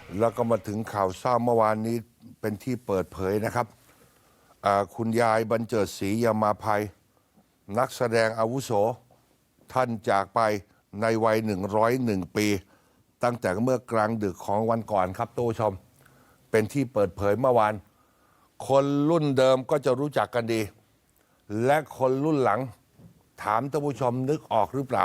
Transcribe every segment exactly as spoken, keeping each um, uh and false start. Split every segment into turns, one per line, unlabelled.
แล้วก็มาถึงข่าวเศร้าเมื่อวานนี้เป็นที่เปิดเผยนะครับคุณยายบรรเจิดศรียามาภัยนักแสดงอาวุโสท่านจากไปในวัยหนึ่งร้อยเอ็ดปี ตั้งแต่เมื่อกลางดึกของวันก่อนครับทุกผู้ชมเป็นที่เปิดเผยเมื่อวานคนรุ่นเดิมก็จะรู้จักกันดีและคนรุ่นหลังถามท่านผู้ชมนึกออกหรือเปล่า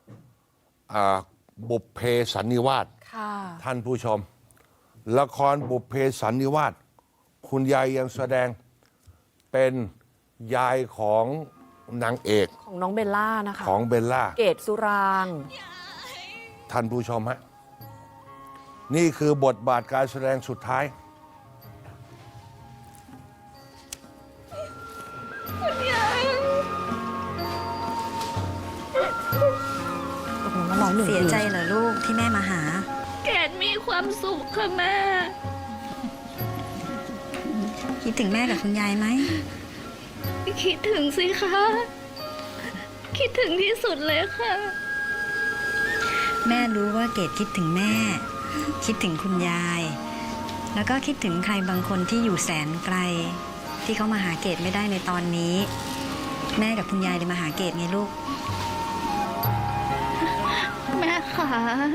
บุพเพสันนิวาสท่านผู้ชมละครบุพเพสันนิวาสคุณยายยังแสดงเป็นยายของนางเอก
ของน้องเบลล่านะคะ
ของเบลล่า
เกตสุรางค์
ท่านผู้ชมฮะนี่คือบทบาทการแสดงสุดท้าย
เสียใจเหรอลูกที่แม่มาหา
เกดมีความสุขค่ะแม่
คิดถึงแม่กับคุณยายไหม
คิดถึงสิคะคิดถึงที่สุดเลยค่ะ
แม่รู้ว่าเกดคิดถึงแม่คิดถึงคุณยายแล้วก็คิดถึงใครบางคนที่อยู่แสนไกลที่เขามาหาเกดไม่ได้ในตอนนี้แม่กับคุณยายเลยมาหาเกดไงลูก
แม่คะ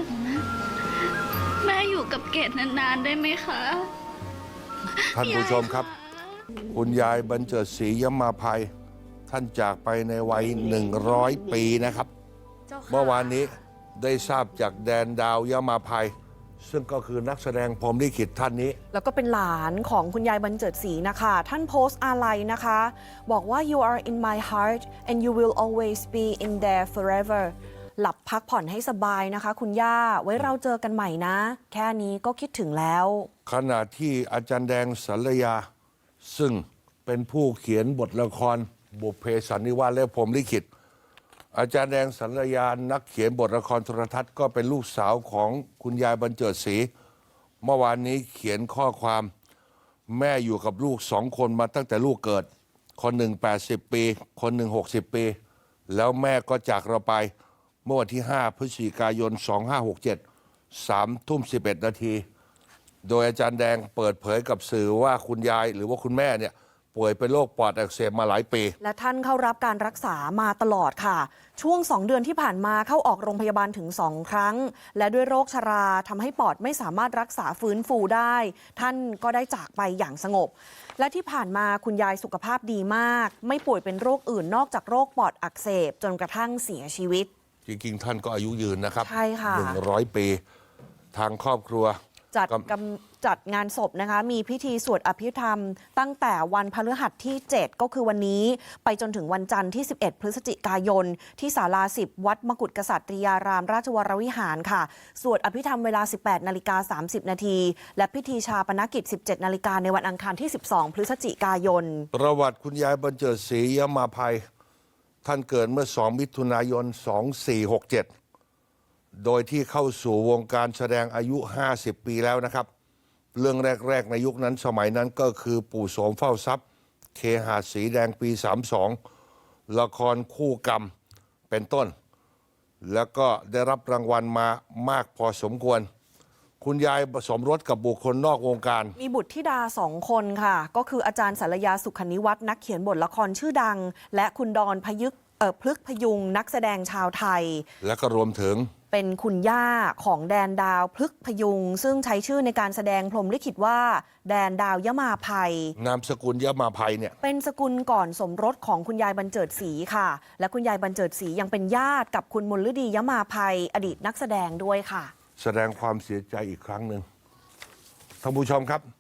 แม่อยู่กับเกดนานๆได้ไหมคะ
ท่านผู้ชมครับคุณยายบรรเจิดศรียามาภัยท่านจากไปในวัยหนึ่งร้อยปีนะครับเมื่อวานนี้ได้ทราบจากแดนดาวยามาภัยซึ่งก็คือนักแสดงพรหมลิขิตท่านนี้
แล้วก็เป็นหลานของคุณยายบรรเจิดศรีนะคะท่านโพสต์อาลัยนะคะบอกว่า you are in my heart and you will always be in there forever หลับพักผ่อนให้สบายนะคะคุณย่าไว้เราเจอกันใหม่นะแค่นี้ก็คิดถึงแล้ว
ขณะที่อาจารย์แดงสัลยาซึ่งเป็นผู้เขียนบทละครบุพเพสันนิวาสและพรหมลิขิตอาจารย์แดงสัลยานักเขียนบทละครโทรทัศน์ก็เป็นลูกสาวของคุณยายบรรเจิดศรีเมื่อวานนี้เขียนข้อความแม่อยู่กับลูกสองคนมาตั้งแต่ลูกเกิดคนหนึ่งแปดสิบปีคนหนึ่งหกสิบปีแล้วแม่ก็จากเราไปเมื่อวันที่ห้าพฤศจิกายนสองพันห้าร้อยหกสิบเจ็ด สามทุ่มสิบเอ็ดนาทีโดยอาจารย์แดงเปิดเผยกับสื่อว่าคุณยายหรือว่าคุณแม่เนี่ยป่วยเป็นโรคปอดอักเสบมาหลายปี
และท่านเข้ารับการรักษามาตลอดค่ะช่วงสองเดือนที่ผ่านมาเข้าออกโรงพยาบาลถึงสองครั้งและด้วยโรคชราทำให้ปอดไม่สามารถรักษาฟื้นฟูได้ท่านก็ได้จากไปอย่างสงบและที่ผ่านมาคุณยายสุขภาพดีมากไม่ป่วยเป็นโรคอื่นนอกจากโรคปอดอักเสบจนกระทั่งเสียชีวิต
จริงๆท่านก็อายุยืนนะครับ
ใช่ค่ะ
หนึ่งร้อยปีทางครอบครัว
จัดกำจัดงานศพนะคะมีพิธีสวดอภิธรรมตั้งแต่วันพฤหัสที่เจ็ดก็คือวันนี้ไปจนถึงวันจันทร์ที่สิบเอ็ดพฤศจิกายนที่ศาลาสิบวัดมกุฏกษัตริยารามราชวรวิหารค่ะสวดอภิธรรมเวลา สิบแปดนาฬิกาสามสิบนาทีและพิธีชาปนกิจ สิบเจ็ดนาฬิกาในวันอังคารที่สิบสองพฤศจิกายน
ประวัติคุณยายบรรเจิดศรียามาภัยท่านเกิดเมื่อสองมิถุนายนสองพันสี่ร้อยหกสิบเจ็ดโดยที่เข้าสู่วงการแสดงอายุห้าสิบปีแล้วนะครับเรื่องแรกๆในยุคนั้นสมัยนั้นก็คือปู่โสมเฝ้าทรัพย์เคหะสีแดงปีสามสิบสองละครคู่กรรมเป็นต้นแล้วก็ได้รับรางวัลมามากพอสมควรคุณยายสมรสกับบุคคลนอกวงการ
มีบุตรธิดาสองคนค่ะก็คืออาจารย์สารยาสุขนิวัฒน์นักเขียนบทละครชื่อดังและคุณดอนพยึกเอ่อพลึกพยุงนักแสดงชาวไทย
และก็รวมถึง
เป็นคุณย่าของแดนดาวพลึกพยุงซึ่งใช้ชื่อในการแสดงพรหมลิขิตว่าแดนดาวยมาภัย
นามสกุลยมาภัยเนี่ย
เป็นสกุลก่อนสมรสของคุณยายบรรเจิดศรีค่ะและคุณยายบรรเจิดศรียังเป็นญาติกับคุณมลฤดียมาภัยอดีตนักแสดงด้วยค่ะ
แสดงความเสียใจอีกครั้งหนึ่งท่านผู้ชมครับ